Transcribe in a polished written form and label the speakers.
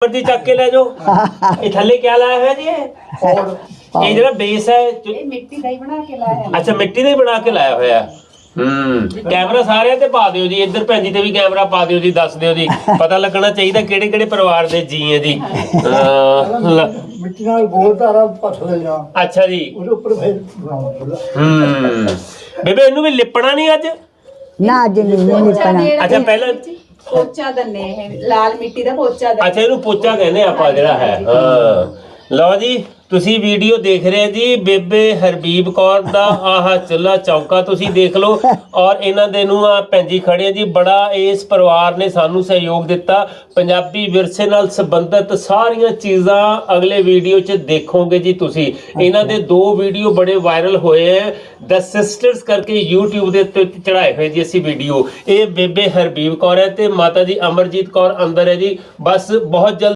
Speaker 1: ਉੱਪਰ ਦੀ ਚੱਕ ਕੇ ਲੈ ਜਾਓ। ਇਹ ਥੱਲੇ ਕੀ ਲਾਇਆ ਹੋਇਆ ਜੀ? ਇਹ ਜਿਹੜਾ ਬੇਸ ਹੈ
Speaker 2: ਇਹ ਮਿੱਟੀ ਦਾ ਹੀ ਬਣਾ ਕੇ ਲਾਇਆ।
Speaker 1: ਅੱਛਾ, ਮਿੱਟੀ ਦਾ ਹੀ ਬਣਾ ਕੇ ਲਾਇਆ ਹੋਇਆ। ਕੈਮਰਾ ਸਾਰਿਆਂ ਤੇ ਪਾ ਦਿਓ ਜੀ, ਇੱਧਰ ਭੈਣ ਜੀ ਤੇ ਵੀ ਕੈਮਰਾ ਪਾ ਦਿਓ ਜੀ, ਦੱਸ ਦਿਓ ਜੀ, ਪਤਾ ਲੱਗਣਾ ਚਾਹੀਦਾ ਕਿਹੜੇ ਕਿਹੜੇ ਪਰਿਵਾਰ ਦੇ ਜੀ ਹੈ ਜੀ।
Speaker 3: ਮਿੱਟੀ ਨਾਲ ਗੋਲਦਾਰਾ ਪੱਥਰ ਜਾ।
Speaker 1: ਅੱਛਾ ਜੀ।
Speaker 3: ਉਹਦੇ ਉੱਪਰ ਫਿਰ ਬਣਾਉਣਾ।
Speaker 1: ਬੇਬੇ ਇਹਨੂੰ ਵੀ ਲਿਪਣਾ ਨਹੀਂ ਅੱਜ?
Speaker 4: ਨਾ ਅੱਜ ਨਹੀਂ ਲਿਪਣਾ।
Speaker 1: ਅੱਛਾ, ਪਹਿਲਾਂ
Speaker 2: ਪੋਚਾ ਦੰਨੇ, ਇਹ ਲਾਲ ਮਿੱਟੀ ਦਾ ਪੋਚਾ ਦੰਨੇ।
Speaker 1: ਅੱਛਾ, ਇਹਨੂੰ ਪੋਚਾ ਕਹਿੰਦੇ ਆਪਾਂ ਜਿਹੜਾ ਹੈ। ਹਾਂ, ਲਓ ਜੀ, ਤੁਸੀਂ ਵੀਡੀਓ ਦੇਖ ਰਹੇ ਜੀ ਬੇਬੇ ਹਰਬੀਬ ਕੌਰ ਦਾ ਆਹ ਚੁੱਲ੍ਹਾ ਚੌਂਕਾ ਤੁਸੀਂ ਦੇਖ ਲਓ। ਔਰ ਇਹਨਾਂ ਦੇ ਨੂੰ ਆ ਭੈਣ ਜੀ ਖੜੇ ਆ ਜੀ, ਬੜਾ ਇਸ ਪਰਿਵਾਰ ਨੇ ਸਾਨੂੰ ਸਹਿਯੋਗ ਦਿੱਤਾ। ਪੰਜਾਬੀ ਵਿਰਸੇ ਨਾਲ ਸੰਬੰਧਿਤ ਸਾਰੀਆਂ ਚੀਜ਼ਾਂ ਅਗਲੇ ਵੀਡੀਓ 'ਚ ਦੇਖੋਗੇ ਜੀ ਤੁਸੀਂ। ਇਹਨਾਂ ਦੇ 2 ਵੀਡੀਓ ਬੜੇ ਵਾਇਰਲ ਹੋਏ ਹੈ, ਦ ਸਿਸਟਰਸ ਕਰਕੇ YouTube ਦੇ ਉੱਤੇ ਚੜਾਏ ਹੋਏ ਜੀ ਅਸੀਂ ਵੀਡੀਓ। ਇਹ ਬੇਬੇ ਹਰਬੀਬ ਕੌਰ ਹੈ ਤੇ ਮਾਤਾ ਜੀ ਅਮਰਜੀਤ ਕੌਰ ਅੰਦਰ ਹੈ ਜੀ। ਬਸ ਬਹੁਤ ਜਲਦ